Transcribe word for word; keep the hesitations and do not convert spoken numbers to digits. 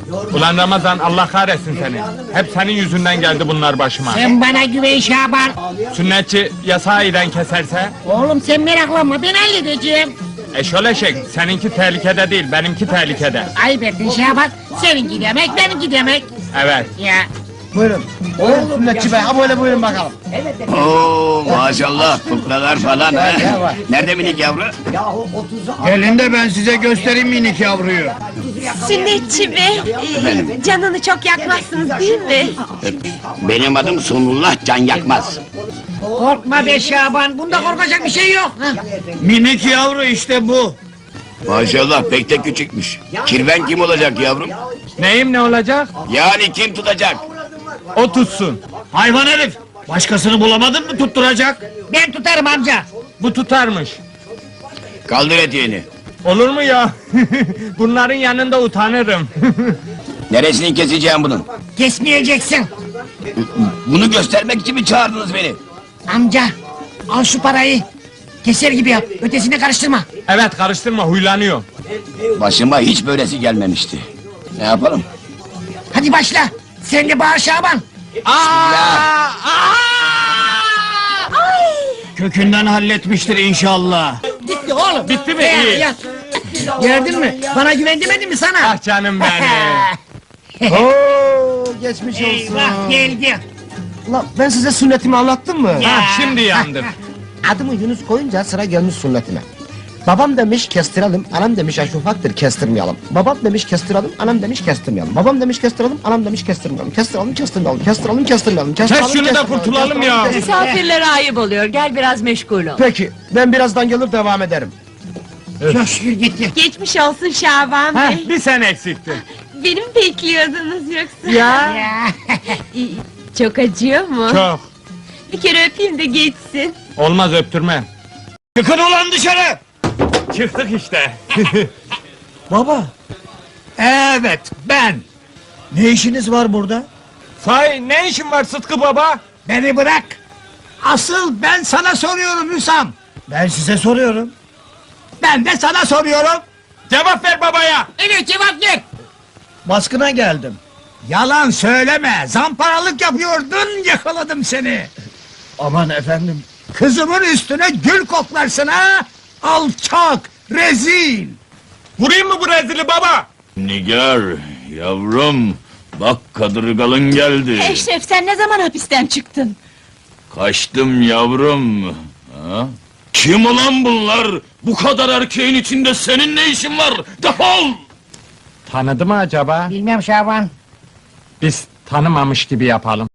Ulan Ramazan, Allah kahretsin seni. Hep senin yüzünden geldi bunlar başıma. Sen bana güven Şaban. Sünnetçi ya sahiden keserse? Oğlum sen meraklanma, ben halledeceğim. Eşol eşek, seninki tehlikede değil, benimki tehlikede. Ayıp ettin Şaban, seninki demek, benimki demek. Evet. Ya. Buyurun. Buyurun sünnetçi bey, ha böyle buyurun bakalım. Oo maşallah kuklalar falan ha. Nerede minik yavru? Gelin de ben size göstereyim minik yavruyu. Sünnetçi bey, e, canını çok yakmazsınız değil mi? Benim adım Sunullah Can Yakmaz. Korkma be Şaban, bunda korkacak bir şey yok. Hah. Minik yavru işte bu. Maşallah pek de küçükmüş. Kirven kim olacak yavrum? Neyim ne olacak? Yani kim tutacak? O tutsun. Hayvan herif. Başkasını bulamadın mı tutturacak? Ben tutarım amca. Bu tutarmış. Kaldır eteğini. Olur mu ya? Bunların yanında utanırım. Neresini keseceğim bunun? Kesmeyeceksin. Bunu göstermek için mi çağırdınız beni? Amca, al şu parayı. Keser gibi yap, ötesine karıştırma. Evet, karıştırma, huylanıyor. Başıma hiç böylesi gelmemişti. Ne yapalım? Hadi başla, sen de bağır Şaban. Aa! Kökünden halletmiştir inşallah. Gitti oğlum. Bitti mi? Ee, İyi. yat. Gördün mü? Bana güven demedim mi sana? Ah canım benim. Oo, geçmiş olsun. Eyvah geldi. Ulan ben size sünnetimi anlattım mı? Ya. Ah, şimdi yandım. Adımı Yunus koyunca sıra gelmiş sünnetime. Babam demiş kestirelim, anam demiş yaş ufaktır kestirmeyelim. Babam demiş kestirelim, anam demiş kestirmeyelim. Babam demiş kestirelim, anam demiş kestirmeyelim. Kestirelim, kestirmeyelim, kestirelim, kestirmeyelim. Kes şunu da kurtulalım ya. Misafirlere ayıp oluyor, gel biraz meşgul ol. Peki, ben birazdan gelir devam ederim. Çok şükür gitti. Geçmiş olsun Şaban Heh, bey. bir sen eksiktin. Beni mi bekliyordunuz yoksa? Ya. Ya. İyi, çok acıyor mu? Çok. Bir kere öpeyim de geçsin. Olmaz, öptürme. Çıkın ulan dışarı! Çıktık işte. Baba. Evet, ben. Ne işiniz var burada? Sahi ne işin var Sıtkı baba? Beni bırak. Asıl ben sana soruyorum Hüsam. Ben size soruyorum. Ben de sana soruyorum. Cevap ver babaya. Evet cevap ver. Baskına geldim. Yalan söyleme. Zamparalık yapıyordun, yakaladım seni. Aman efendim. Kızımın üstüne gül koklarsın ha? Alçak, rezil. Vurayım mı bu rezili baba? Nigar yavrum bak kadırgalın geldi. Eşref sen ne zaman hapisten çıktın? Kaçtım yavrum. Ha? Kim ulan bunlar? Bu kadar erkeğin içinde senin ne işin var? Defol! Tanıdı mı acaba? Bilmem Şaban. Biz tanımamış gibi yapalım.